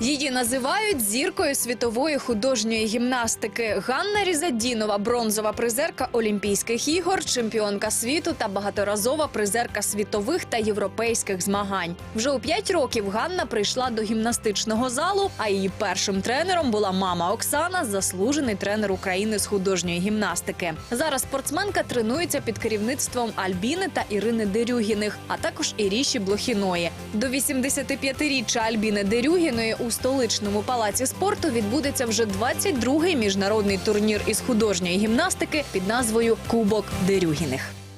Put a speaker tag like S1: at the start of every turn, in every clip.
S1: Її називають зіркою світової художньої гімнастики. Ганна Різадінова – бронзова призерка Олімпійських ігор, чемпіонка світу та багаторазова призерка світових та європейських змагань. Вже у 5 років Ганна прийшла до гімнастичного залу, а її першим тренером була мама Оксана, заслужений тренер України з художньої гімнастики. Зараз спортсменка тренується під керівництвом Альбіни та Ірини Дерюгіних, а також Іріші Блохіної. До 85-річчя Альбіни Дерюгіної у столичному палаці спорту відбудеться вже 22-й міжнародний турнір із художньої гімнастики під назвою «Кубок Дерюгіних».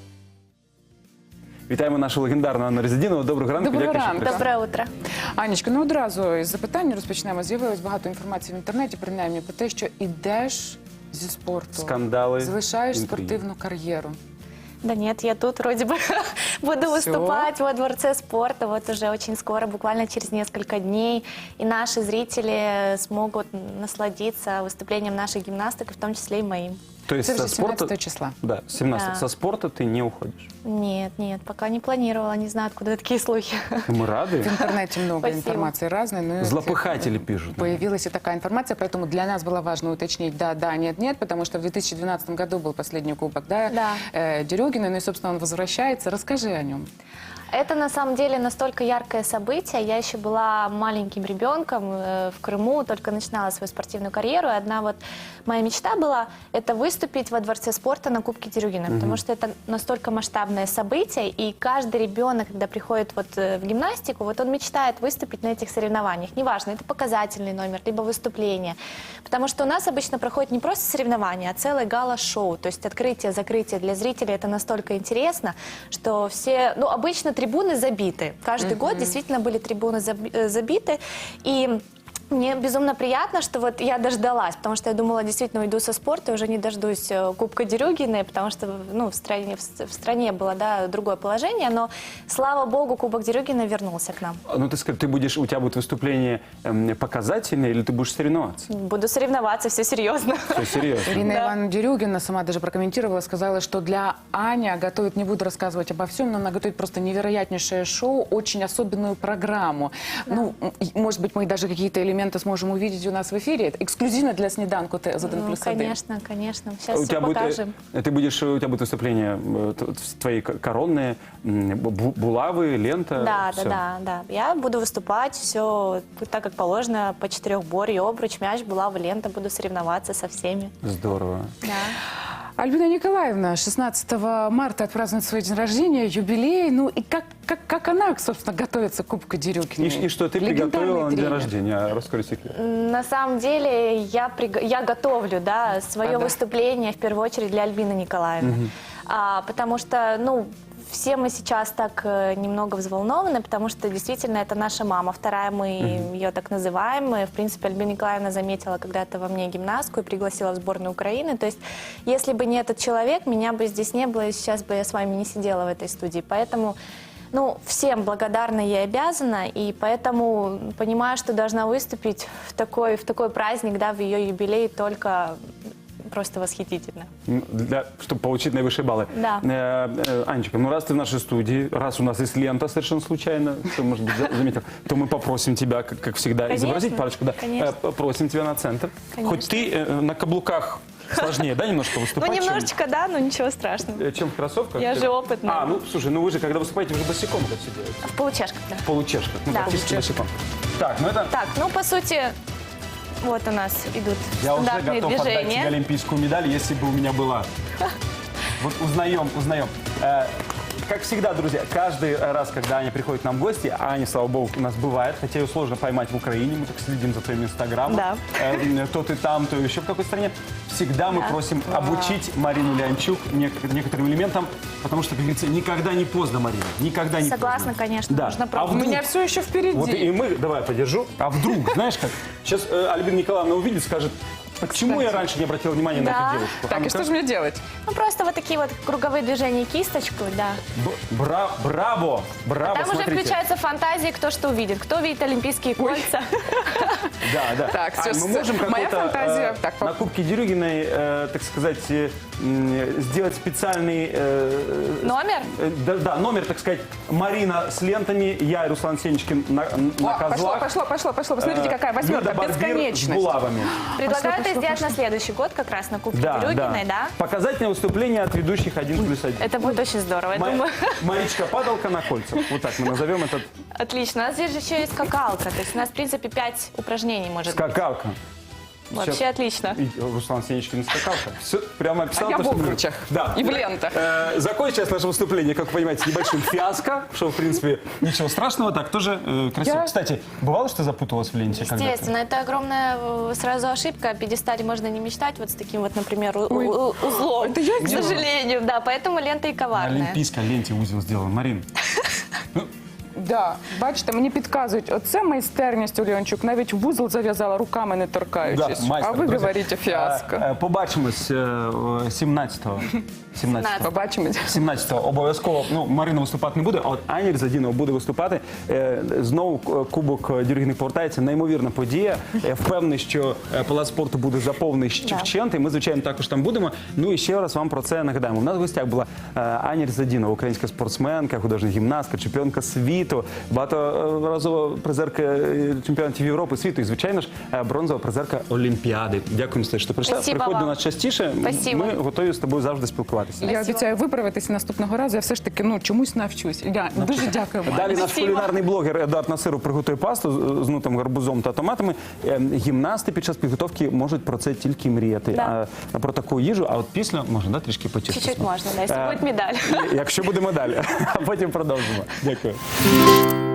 S2: Вітаємо нашу легендарну Анну Різадінову. Доброго ранку.
S3: Доброго ранку.
S1: Доброе утро.
S3: Анечка, ну одразу із запитання розпочнемо. З'явилось багато інформації в інтернеті, принаймні, про те, що ідеш зі спорту.
S2: Скандали,
S3: залишаєш
S2: інтриги.
S3: спортивну кар'єру.
S4: Да нет, я тут вроде бы буду выступать во Дворце спорта вот уже очень скоро, буквально через несколько дней. И наши зрители смогут насладиться выступлением наших гимнасток, в том числе и моим.
S2: То есть
S3: Это
S2: со
S3: же
S2: спорта...
S3: 17 числа.
S2: Да, 17.
S4: Да.
S2: Со спорта ты не уходишь.
S4: Нет, пока не планировала, не знаю, откуда такие слухи.
S2: Мы рады.
S3: В интернете много
S4: Спасибо.
S3: информации разной. Но
S2: Злопыхатели пишут.
S3: Появилась и такая информация, поэтому для нас было важно уточнить да, нет, потому что в 2012 году был последний кубок,
S4: Да.
S3: Дерюгиной, ну и, собственно, он возвращается. Расскажи о нем.
S4: Это на самом деле настолько яркое событие. Я еще была маленьким ребенком в Крыму, только начинала свою спортивную карьеру. И одна вот моя мечта была – это выступить во Дворце спорта на Кубке Дерюгина, потому что это настолько масштабное событие, и каждый ребенок, когда приходит вот в гимнастику, вот он мечтает выступить на этих соревнованиях. Неважно, это показательный номер, либо выступление. Потому что у нас обычно проходит не просто соревнования, а целое гала-шоу. То есть открытие, закрытие для зрителей – это настолько интересно, что все, ну, обычно трибуны забиты. Каждый год действительно были трибуны забиты. И мне безумно приятно, что вот я дождалась, потому что я думала, действительно уйду со спорта, и уже не дождусь Кубка Дерюгиной, потому что ну, в стране было да, другое положение, но, слава богу, Кубок Дерюгиной вернулся к нам.
S2: Ну, ты скажи, у тебя будет выступление показательное или ты будешь соревноваться?
S4: Буду соревноваться, все серьезно.
S2: Все серьезно.
S3: Ирина
S4: Да.
S3: Ивановна Дерюгина сама даже прокомментировала, сказала, что для Ани готовит, не буду рассказывать обо всем, но она готовит просто невероятнейшее шоу, очень особенную программу. Да. Ну, может быть, мы даже какие-то элементы сможем увидеть у нас в эфире. Это эксклюзивно для сніданку ТЗ1+1.
S4: Ну, конечно, конечно. Сейчас
S2: У
S4: все
S2: тебя
S4: покажем.
S2: у тебя будет выступление твои коронные, булавы, лента.
S4: Да,
S2: всё.
S4: да. Я буду выступать, все так, как положено, по четырехборье, обруч, мяч, булава, лента, буду соревноваться со всеми.
S2: Здорово.
S4: Да.
S3: Альбина Николаевна 16 марта отпразднует свой день рождения, юбилей. Ну и как она, собственно, готовится к Кубку Дерюгиной?
S2: И что ты
S3: Легендарный
S2: приготовила на день
S3: тренер.
S2: рождения? Расскажи секрет.
S4: На самом деле я готовлю да, свое выступление в первую очередь для Альбины Николаевны. Потому что, ну, все мы сейчас так немного взволнованы, потому что действительно это наша мама, вторая, мы ее так называем. И, в принципе, Альбина Николаевна заметила когда-то во мне гимнастку и пригласила в сборную Украины. То есть, если бы не этот человек, меня бы здесь не было, и сейчас бы я с вами не сидела в этой студии. Поэтому, ну, всем благодарна ей обязана, и поэтому понимаю, что должна выступить в такой праздник, да, в ее юбилей только... Просто восхитительно.
S2: Чтобы получить наивысшие баллы.
S4: Да.
S2: Анечка, ну раз ты в нашей студии, раз у нас есть лента совершенно случайно, кто, может быть, заметил, то мы попросим тебя, как всегда,
S4: Конечно,
S2: изобразить парочку. Да.
S4: конечно.
S2: Попросим тебя на центр.
S4: Конечно.
S2: Хоть ты на каблуках сложнее, да, немножко выступать?
S4: Ну, немножечко, да, но ничего страшного.
S2: Чем в кроссовках?
S4: Я же опытная.
S2: Ну, слушай, ну вы же, когда выступаете, вы же босиком это все делаете.
S4: В получашках, да.
S2: В получешках. Ну,
S4: Да.
S2: практически босиком. Так, ну это...
S4: Так, ну, по сути, вот у нас идут
S2: Я уже
S4: стандартные
S2: готов отдать тебе
S4: движения.
S2: олимпийскую медаль, если бы у меня была. Вот узнаем. Как всегда, друзья, каждый раз, когда Аня приходит к нам в гости, а Аня, слава богу, у нас бывает, хотя ее сложно поймать в Украине, мы так следим за твоим инстаграмом,
S4: Да.
S2: То ты там, то еще в какой стране, всегда мы просим обучить Марину Леончук некоторым элементам, потому что, как говорится, никогда не поздно, Марина, никогда не
S4: Согласна,
S2: поздно.
S4: конечно,
S2: Да.
S4: нужно
S2: А
S4: пробовать.
S3: У
S2: вдруг-
S3: меня все еще впереди.
S2: Вот и мы, давай, подержу. А вдруг, знаешь как, сейчас Альбина Николаевна увидит, скажет, почему я раньше не обратил внимания на
S4: Да.
S2: эту девушку? А
S3: Так, и
S2: ну-ка.
S3: что же мне делать?
S4: Ну, просто вот такие вот круговые движения кисточку, да.
S2: Браво! Браво,
S4: Там уже
S2: смотрите.
S4: включаются фантазии, кто что увидит. Кто видит олимпийские кольца.
S2: Да.
S3: Так,
S2: Ань,
S3: всё,
S2: мы можем
S3: моя
S2: какой-то
S3: фантазия. Так,
S2: на Кубке Дерюгиной, так сказать, сделать специальный...
S4: Номер?
S2: Да, номер, так сказать, Марина с лентами, я и Руслан Сенечкин на
S3: О,
S2: козлах.
S3: пошло. Посмотрите, какая восьмерка,
S2: Люда Барбир с
S3: бесконечность.
S2: булавами.
S4: Предлагаю это
S3: Пошло.
S4: сделать на следующий год, как раз на Кубке Дерюгиной, да?
S2: Показательное выступление от ведущих 1+1.
S4: Это будет очень здорово, я думаю.
S2: Маричка падалка на кольцах. Вот так мы назовем этот
S4: Отлично. У нас здесь же еще есть скакалка. То есть у нас, в принципе, 5 упражнений может быть.
S2: скакалка.
S4: Вообще
S2: Сейчас-
S4: отлично.
S2: И Руслан Сенечкин скакалка. Все, прямо описал.
S3: А я
S2: то,
S3: в
S2: что мы-
S3: обручах
S2: Да.
S3: и в лентах.
S2: Закончилось наше выступление, как вы понимаете, небольшим фиаско, что, в принципе, ничего страшного, так тоже красиво.
S3: Я-
S2: Кстати, бывало, что запуталась в ленте когда-то?
S4: Естественно, это огромная сразу ошибка. О пьедестале можно не мечтать вот с таким вот, например, узлом.
S3: это я
S4: К
S3: сделала?
S4: сожалению, да. Поэтому лента и
S2: На
S4: коварная.
S2: олімпійській ленті узел сделан. Марин,
S3: Да, бачите, мені підказують, оце майстерність, Ульянчук, навіть вузол зав'язала руками не торкаючись.
S2: майстер,
S3: а ви
S2: друзі.
S3: говорите фіаско.
S2: Побачимось 17-го. 17-го.
S3: Побачимось.
S2: 17-го обов'язково. Ну, Марина виступати не буде, а от Аня Різадінова буде виступати. Знову Кубок Дерюгіних повертається. Неймовірна подія. Я впевнений, що палац спорту буде заповнений
S4: Да.
S2: вщент, і ми, звичайно, також там будемо. Ну і ще раз вам про це нагадаємо. У нас в гостях була Аня Різадінова, українська спортсменка, художня гімнастка, чемпіонка світу, багаторазова призерка чемпіонатів Європи, світу і, звичайно ж, бронзова призерка Олімпіади. Дякуємо, що прийшла.
S4: Спасибо
S2: Приходь до
S4: вам.
S2: нас частіше.
S4: Спасибо.
S2: Ми готові з тобою завжди спілкуватися.
S3: Я обіцяю виправитися наступного разу. Я все ж таки чомусь навчусь. Я дуже дякую вам.
S2: Далі наш
S4: Спасибо.
S2: кулінарний блогер Едуард Насиров приготує пасту з нутим гарбузом та томатами. Гімнасти під час підготовки можуть про це тільки мріяти.
S4: Да.
S2: Про таку їжу, а от після можна трішки потішитися.
S4: Чуть-чуть можно, да, если будет медаль.
S2: Якщо буде медаль, а потім продовжимо. Дякую.